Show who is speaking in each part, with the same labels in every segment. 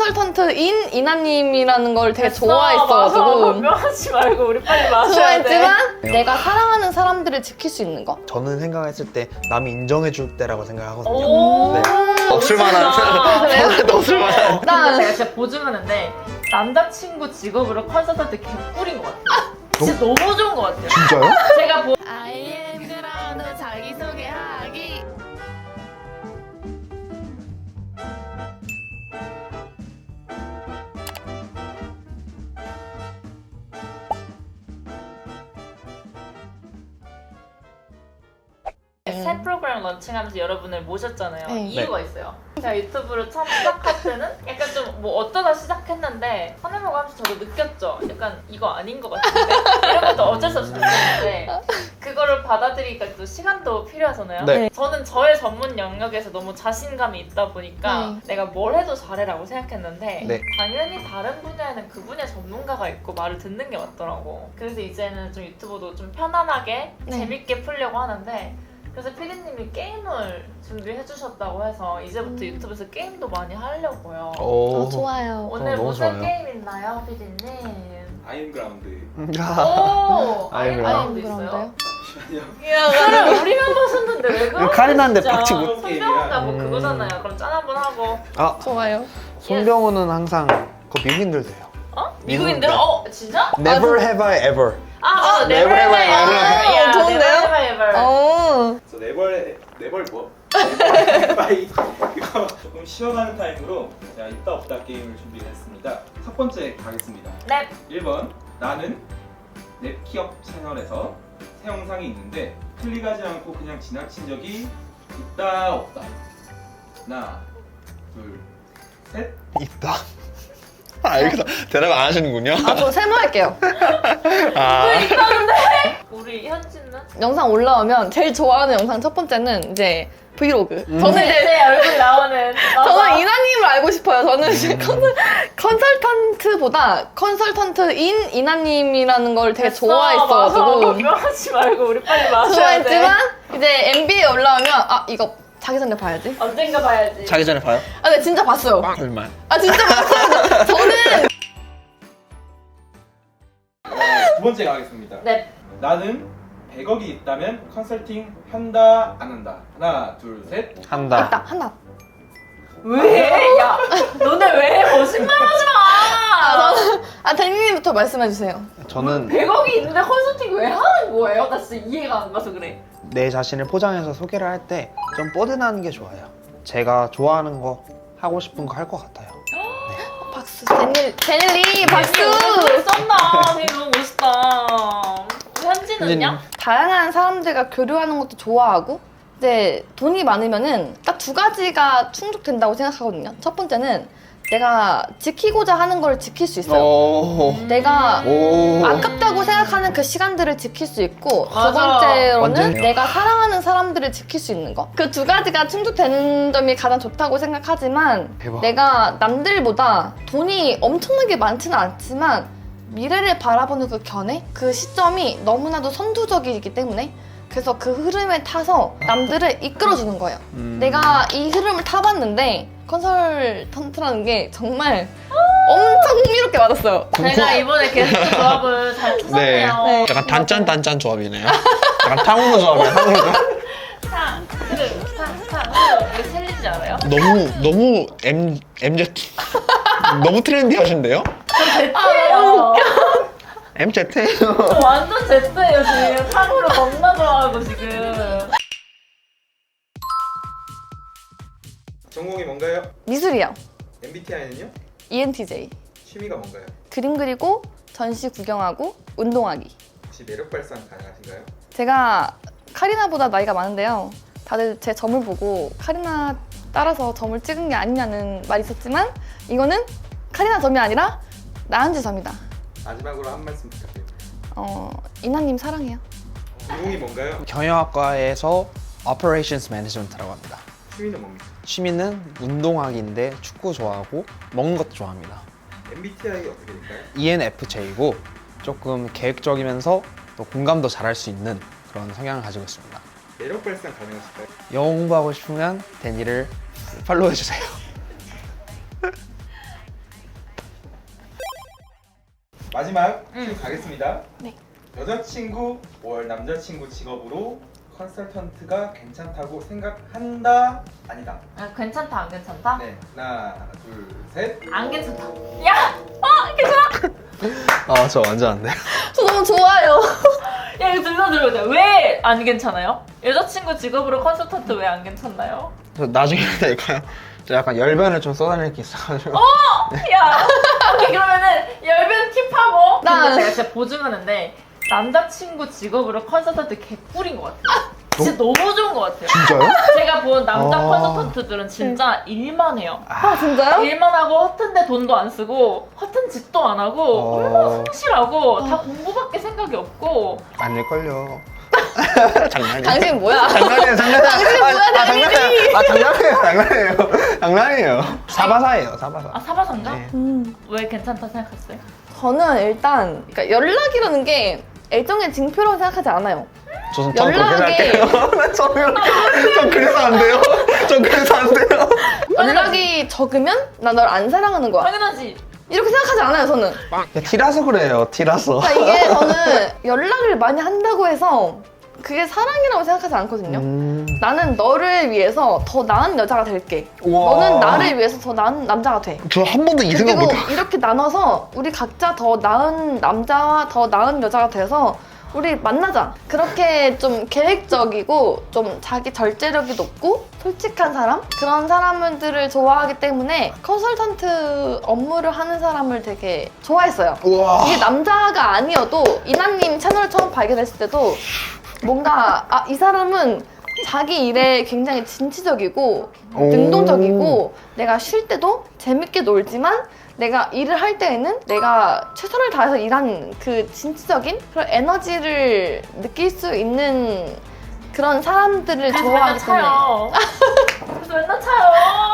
Speaker 1: 컨설턴트인 이나님이라는 걸 되게
Speaker 2: 마셔,
Speaker 1: 좋아했어가지고
Speaker 2: 변명하지 말고 우리 빨리 마셔야 돼.
Speaker 1: 좋아했지만 내가 사랑하는 사람들을 지킬 수 있는 거.
Speaker 3: 저는 생각했을 때 남이 인정해줄 때라고 생각하거든요.
Speaker 2: 오.
Speaker 3: 네. 없을 만한 없을 만한.
Speaker 2: 근데 제가 진짜 보증하는데 남자친구 직업으로 컨설턴트 개꿀인 것 같아요. 진짜 너무 좋은 것 같아요.
Speaker 3: 진짜요?
Speaker 2: 제가
Speaker 1: I am 그라운드 자기소개하기.
Speaker 2: 새 프로그램 런칭하면서 여러분을 모셨잖아요.
Speaker 1: 네.
Speaker 2: 이유가 있어요. 제가 유튜브를 처음 시작할 때는 약간 좀 뭐 어쩌다 시작했는데 화면을 하면서 저도 느꼈죠. 약간 이거 아닌 것 같은데 이런 것도 어쩔 수 없이 느꼈는데 그거를 받아들이기까 또 시간도 필요하잖아요.
Speaker 3: 네.
Speaker 2: 저는 저의 전문 영역에서 너무 자신감이 있다 보니까
Speaker 1: 네.
Speaker 2: 내가 뭘 해도 잘해라고 생각했는데
Speaker 3: 네.
Speaker 2: 당연히 다른 분야에는 그 분야 전문가가 있고 말을 듣는 게 맞더라고. 그래서 이제는 좀 유튜브도 좀 편안하게
Speaker 1: 네.
Speaker 2: 재밌게 풀려고 하는데 그래서 피디님이 게임을 준비해 주셨다고 해서 이제부터 유튜브에서 게임도 많이 하려고요.
Speaker 3: 오.
Speaker 1: 좋아요.
Speaker 2: 오늘
Speaker 3: 너무
Speaker 2: 무슨
Speaker 3: 좋아요.
Speaker 2: 게임 있나요, 피디님?
Speaker 4: 아임그라운드.
Speaker 2: 오!
Speaker 3: 아임그라운드.
Speaker 2: 있어요?
Speaker 4: 잠시만요.
Speaker 2: 야, 그래 우리만 보셨는데 왜 그러는
Speaker 3: 카리나인데
Speaker 2: 진짜.
Speaker 3: 빡치 못-
Speaker 2: 손병호가 뭐
Speaker 3: 음.
Speaker 2: 그거잖아요. 그럼 짠 한번 하고.
Speaker 3: 아,
Speaker 1: 좋아요.
Speaker 3: 손병호는 항상 그 미국인들도 해요.
Speaker 2: 어? 미국인들? 진짜?
Speaker 3: Never have I ever.
Speaker 2: 맞아.
Speaker 3: never have I ever.
Speaker 1: 좋은데요?
Speaker 2: Never have I ever.
Speaker 1: 어.
Speaker 4: 그래서 네벌 뭐? 바이 이거 조금 쉬어가는 타임으로 제가 있다 없다 게임을 준비했습니다. 첫 번째 가겠습니다.
Speaker 2: 네.
Speaker 4: 1번 나는 랩키업 채널에서 새 영상이 있는데 클릭하지 않고 그냥 지나친 적이 있다 없다. 하나 둘 셋.
Speaker 3: 있다. 아, 이거 대답 안 하시는군요.
Speaker 1: 저 세모할게요.
Speaker 3: 아,
Speaker 2: 우리 현진은?
Speaker 1: 영상 올라오면 제일 좋아하는 영상 첫 번째는 이제 브이로그. 저는 이제
Speaker 2: 제 얼굴 나오는.
Speaker 1: 저는 이나님을 알고 싶어요. 저는 이제 컨설턴트보다 컨설턴트인 이나님이라는 걸 되게 좋아했어가지고
Speaker 2: 변명하지 말고 우리 빨리 마셔야 돼.
Speaker 1: 좋아했지만 이제 MB에 올라오면 이거 자기 전에 봐야지.
Speaker 2: 언젠가 봐야지.
Speaker 3: 자기 전에 봐요?
Speaker 1: 근데 진짜 봤어요.
Speaker 3: 얼마?
Speaker 1: 진짜 봤어요. 저는
Speaker 4: 두 번째 가겠습니다.
Speaker 2: 네.
Speaker 4: 나는 100억이 있다면 컨설팅 한다 안 한다. 하나 둘 셋.
Speaker 3: 한다.
Speaker 1: 있다 하나.
Speaker 2: 왜? 야, 너네 왜 거짓말하지 마.
Speaker 1: 대리님부터 말씀해 주세요.
Speaker 3: 저는
Speaker 2: 100억이 있는데 컨설팅 왜 하는 거예요? 나 진짜 이해가 안 가서 그래.
Speaker 3: 내 자신을 포장해서 소개를 할 때 좀 뻗어나는 게 좋아요. 제가 좋아하는 거 하고 싶은 거 할 것 같아요.
Speaker 1: 박수. 데닐리 박수.
Speaker 2: 쩐다. 되게 너무 멋있다. 우리 현진은요?
Speaker 1: 다양한 사람들과 교류하는 것도 좋아하고 이제 돈이 많으면은 딱 두 가지가 충족된다고 생각하거든요. 첫 번째는 내가 지키고자 하는 걸 지킬 수 있어요.
Speaker 3: 오.
Speaker 1: 내가
Speaker 3: 오.
Speaker 1: 아깝다고 생각하는 그 시간들을 지킬 수 있고 두
Speaker 2: 맞아.
Speaker 1: 번째로는
Speaker 3: 완전히.
Speaker 1: 내가 사랑하는 사람들을 지킬 수 있는 거. 그 두 가지가 충족되는 점이 가장 좋다고 생각하지만
Speaker 3: 대박.
Speaker 1: 내가 남들보다 돈이 엄청나게 많지는 않지만 미래를 바라보는 그 견해? 그 시점이 너무나도 선두적이기 때문에 그래서 그 흐름에 타서 남들을 이끌어주는 거예요. 내가 이 흐름을 타봤는데 컨설턴트라는 게 정말 엄청 흥미롭게 맞았어요.
Speaker 2: 제가 이번에 게스트 조합을 잘 찾았네요.
Speaker 1: 네.
Speaker 3: 약간 단짠 조합이네요. 약간 탕후루 조합이에요. 탕후루 조합.
Speaker 2: 탕, 이거 챌린지 알아요?
Speaker 3: 너무 MZ 너무 트렌디하신데요?
Speaker 2: 제트예요.
Speaker 3: MZ?
Speaker 2: 저 완전 제트예요 지금. 탕후루 겁나 좋아하고 지금.
Speaker 4: 전공이 뭔가요?
Speaker 1: 미술이요.
Speaker 4: MBTI는요?
Speaker 1: ENTJ.
Speaker 4: 취미가 뭔가요?
Speaker 1: 그림 그리고 전시 구경하고 운동하기.
Speaker 4: 혹시 매력 발산 가능하신가요?
Speaker 1: 제가 카리나보다 나이가 많은데요. 다들 제 점을 보고 카리나 따라서 점을 찍은 게 아니냐는 말이 있었지만 이거는 카리나 점이 아니라 나은지 점이다.
Speaker 4: 마지막으로 한 말씀 부탁드립니다.
Speaker 1: 이나님 사랑해요.
Speaker 4: 전공이 뭔가요?
Speaker 3: 경영학과에서 Operations Management라고 합니다.
Speaker 4: 취미는 뭡니까?
Speaker 3: 취미는 운동하기인데 축구 좋아하고 먹는 것도 좋아합니다.
Speaker 4: MBTI 어떻게 될까요?
Speaker 3: ENFJ고 조금 계획적이면서 또 공감도 잘할 수 있는 그런 성향을 가지고 있습니다.
Speaker 4: 매력 발산 가능하실까요?
Speaker 3: 영어 공부하고 싶으면 데니를 팔로우해주세요.
Speaker 4: 마지막 퀴즈 가겠습니다.
Speaker 1: 네.
Speaker 4: 여자친구 월 남자친구 직업으로 컨설턴트가 괜찮다고 생각한다? 아니다.
Speaker 2: 아, 괜찮다 안 괜찮다?
Speaker 4: 네. 하나, 둘, 셋.
Speaker 2: 안 괜찮다. 야! 괜찮아?
Speaker 3: 저 완전 안 돼요.
Speaker 1: 저 너무 좋아요.
Speaker 2: 야 이거 들려줘야 왜 안 괜찮아요? 여자친구 직업으로 컨설턴트 왜 안 괜찮나요?
Speaker 3: 저 나중에 될까요? 저 약간 열변을 좀 쏟아낼 게 있어가지고.
Speaker 2: 야! 오케이 그러면은 열변 팁하고
Speaker 1: 난-
Speaker 2: 근데 제가 진짜 보증하는데 남자친구 직업으로 컨설턴트 개꿀인 것 같아요. 진짜 너무 좋은 것 같아요.
Speaker 3: 진짜요?
Speaker 2: 제가 본 남자
Speaker 3: 아.
Speaker 2: 컨설턴트들은 진짜 일만 해요.
Speaker 1: 아 진짜요?
Speaker 2: 일만 하고 허튼데 돈도 안 쓰고 허튼 짓도 안 하고 얼마나 성실하고 다 공부밖에 생각이 없고
Speaker 3: 아닐걸요. 장난이에요.
Speaker 1: 당신 뭐야?
Speaker 3: 장난이에요, 장난이에요.
Speaker 1: 당신 뭐야,
Speaker 3: 장난이에요. 장난이에요. 장난이에요. 사바사예요, 사바사.
Speaker 2: 아 사바상가?
Speaker 3: 네.
Speaker 2: 왜 괜찮다 생각했어요?
Speaker 1: 저는 일단 그러니까 연락이라는 게 애정의 징표라고 생각하지 않아요.
Speaker 3: 저는 처음 그렇게
Speaker 1: 연락이-
Speaker 3: 생각해요. 전 그래서 안 돼요. 전 그래서 안 돼요.
Speaker 1: 연락이 적으면 나 널 안 사랑하는 거야.
Speaker 2: 당연하지.
Speaker 1: 이렇게 생각하지 않아요, 저는.
Speaker 3: 야, 티라서 그래요, 티라서.
Speaker 1: 그러니까 이게 저는 연락을 많이 한다고 해서 그게 사랑이라고 생각하지 않거든요. 나는 너를 위해서 더 나은 여자가 될게.
Speaker 3: 우와.
Speaker 1: 너는 나를 위해서 더 나은 남자가 돼.
Speaker 3: 저 한 번도 이 생각
Speaker 1: 그리고
Speaker 3: 못
Speaker 1: 이렇게 나눠서 우리 각자 더 나은 남자와 더 나은 여자가 돼서 우리 만나자. 그렇게 좀 계획적이고 좀 자기 절제력이 높고 솔직한 사람? 그런 사람들을 좋아하기 때문에 컨설턴트 업무를 하는 사람을 되게 좋아했어요.
Speaker 3: 우와.
Speaker 1: 이게 남자가 아니어도 이나님 채널을 처음 발견했을 때도 뭔가 이 사람은 자기 일에 굉장히 진취적이고
Speaker 3: 오.
Speaker 1: 능동적이고 내가 쉴 때도 재밌게 놀지만 내가 일을 할 때에는 내가 최선을 다해서 일하는 그 진취적인 그런 에너지를 느낄 수 있는 그런 사람들을
Speaker 2: 그래서 맨날
Speaker 1: 좋아하기 때문에
Speaker 2: 차요. 그래서 맨날 차요.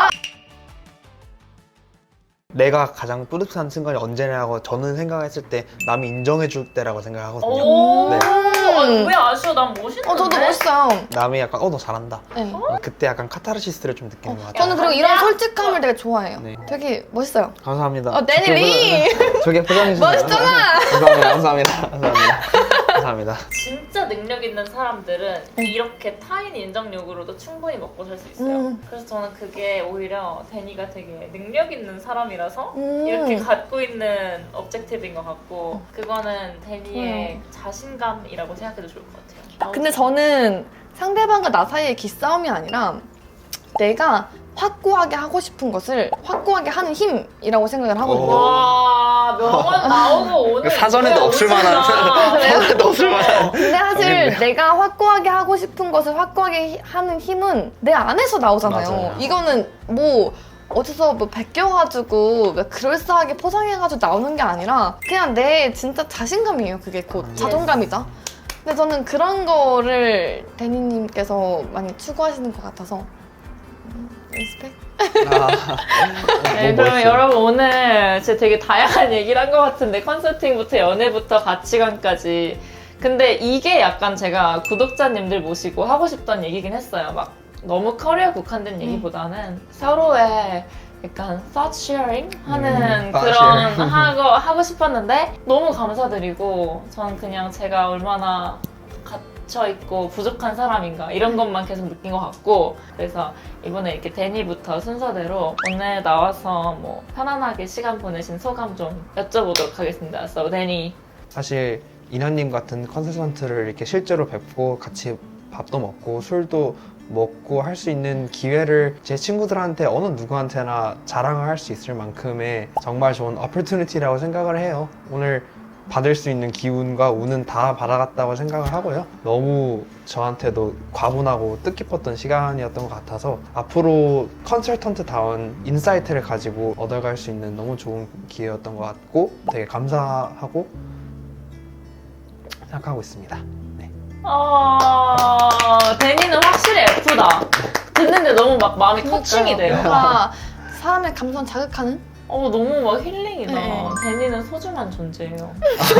Speaker 3: 내가 가장 뿌듯한 순간이 언제냐고 저는 생각했을 때 남이 인정해줄 때라고 생각하거든요.
Speaker 2: 오.
Speaker 3: 네.
Speaker 2: 왜 아쉬워? 난 멋있는데.
Speaker 1: 저도 멋있어요.
Speaker 3: 남이 약간 너 잘한다.
Speaker 1: 네.
Speaker 3: 그때 약간 카타르시스를 좀 느끼는 것 같아요.
Speaker 1: 저는 그리고 이런 솔직함을 되게 좋아해요.
Speaker 3: 네.
Speaker 1: 되게 멋있어요.
Speaker 3: 감사합니다.
Speaker 1: 데니리!
Speaker 3: 저게 포장해주세요.
Speaker 1: 멋있잖아!
Speaker 3: 감사합니다. 감사합니다.
Speaker 2: 진짜 능력 있는 사람들은 이렇게 타인 인정력으로도 충분히 먹고 살 수 있어요. 그래서 저는 그게 오히려 데니가 되게 능력 있는 사람이라서 이렇게 갖고 있는 업젝티브인 것 같고 그거는 데니의 자신감이라고 생각해도 좋을 것 같아요.
Speaker 1: 근데 저는 상대방과 나 사이의 기싸움이 아니라 내가 확고하게 하고 싶은 것을 확고하게 하는 힘이라고 생각을 하거든요.
Speaker 2: 와 명언 나오고 오늘
Speaker 3: 사전에도
Speaker 2: 이거야,
Speaker 3: 없을
Speaker 2: 오진다.
Speaker 3: 만한. 사전에도 없을 만한.
Speaker 1: 근데 사실
Speaker 3: 재밌네요.
Speaker 1: 내가 확고하게 하고 싶은 것을 확고하게 하는 힘은 내 안에서 나오잖아요.
Speaker 3: 맞아요.
Speaker 1: 이거는 뭐 어디서 뭐 베껴가지고 뭐 그럴싸하게 포장해가지고 나오는 게 아니라 그냥 내 진짜 자신감이에요. 그게 곧 자존감이죠. 근데 저는 그런 거를 데니님께서 많이 추구하시는 것 같아서 리스펙?
Speaker 2: 네, 그러면 여러분 오늘 진짜 되게 다양한 얘기를 한 것 같은데 컨설팅부터 연애부터 가치관까지 근데 이게 약간 제가 구독자님들 모시고 하고 싶던 얘기긴 했어요. 막 너무 커리어 국한된 얘기보다는 서로의 약간 thought sharing 하는
Speaker 3: thought
Speaker 2: 그런
Speaker 3: sharing.
Speaker 2: 하고 싶었는데 너무 감사드리고 저는 그냥 제가 얼마나 갇혀있고 부족한 사람인가 이런 것만 계속 느낀 것 같고 그래서 이번에 이렇게 데니부터 순서대로 오늘 나와서 뭐 편안하게 시간 보내신 소감 좀 여쭤보도록 하겠습니다. So 데니
Speaker 3: 사실 인하님 같은 컨설턴트를 이렇게 실제로 뵙고 같이 밥도 먹고 술도 먹고 할 수 있는 기회를 제 친구들한테 어느 누구한테나 자랑을 할 수 있을 만큼의 정말 좋은 opportunity라고 생각을 해요. 오늘 받을 수 있는 기운과 운은 다 받아갔다고 생각을 하고요. 너무 저한테도 과분하고 뜻깊었던 시간이었던 것 같아서 앞으로 컨설턴트다운 인사이트를 가지고 얻어갈 수 있는 너무 좋은 기회였던 것 같고 되게 감사하고 생각하고 있습니다. 네.
Speaker 2: 데니는 확실히 F다. 듣는데 너무 막 마음이 터칭이 돼요.
Speaker 1: 뭔가 사람의 감성 자극하는?
Speaker 2: 너무 막 힐링이다.
Speaker 1: 네.
Speaker 2: 데니는 소중한 존재예요.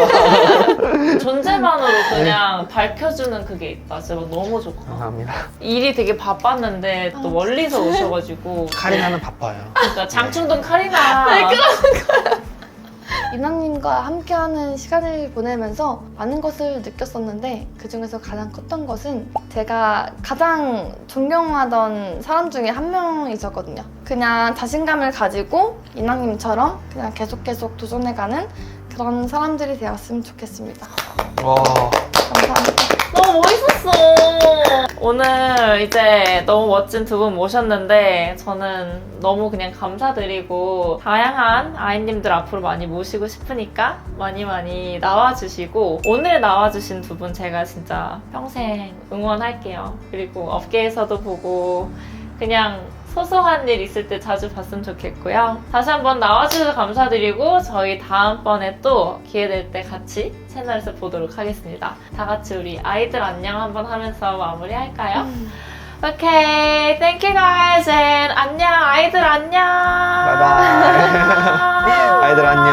Speaker 2: 존재만으로 그냥 밝혀주는 그게 있다. 진짜 너무 좋고.
Speaker 3: 감사합니다.
Speaker 2: 일이 되게 바빴는데 또 멀리서 오셔가지고.
Speaker 3: 카리나는 바빠요.
Speaker 2: 그러니까 장충동 카리나.
Speaker 1: 이나님과 함께하는 시간을 보내면서 많은 것을 느꼈었는데 그 중에서 가장 컸던 것은 제가 가장 존경하던 사람 중에 한 명이셨거든요. 그냥 자신감을 가지고 이나님처럼 그냥 계속 도전해가는 그런 사람들이 되었으면 좋겠습니다.
Speaker 3: 와.
Speaker 1: 감사합니다.
Speaker 2: 너무 멋있었어. 오늘 이제 너무 멋진 두 분 모셨는데 저는 너무 그냥 감사드리고 다양한 아이님들 앞으로 많이 모시고 싶으니까 많이 나와주시고 오늘 나와주신 두 분 제가 진짜 평생 응원할게요. 그리고 업계에서도 보고 그냥 소소한 일 있을 때 자주 봤으면 좋겠고요. 다시 한번 나와주셔서 감사드리고 저희 다음번에 또 기회 될 때 같이 채널에서 보도록 하겠습니다. 다 같이 우리 아이들 안녕 한번 하면서 마무리할까요? 오케이, thank you guys and 안녕 아이들 안녕.
Speaker 3: 바이바이. 아이들 안녕.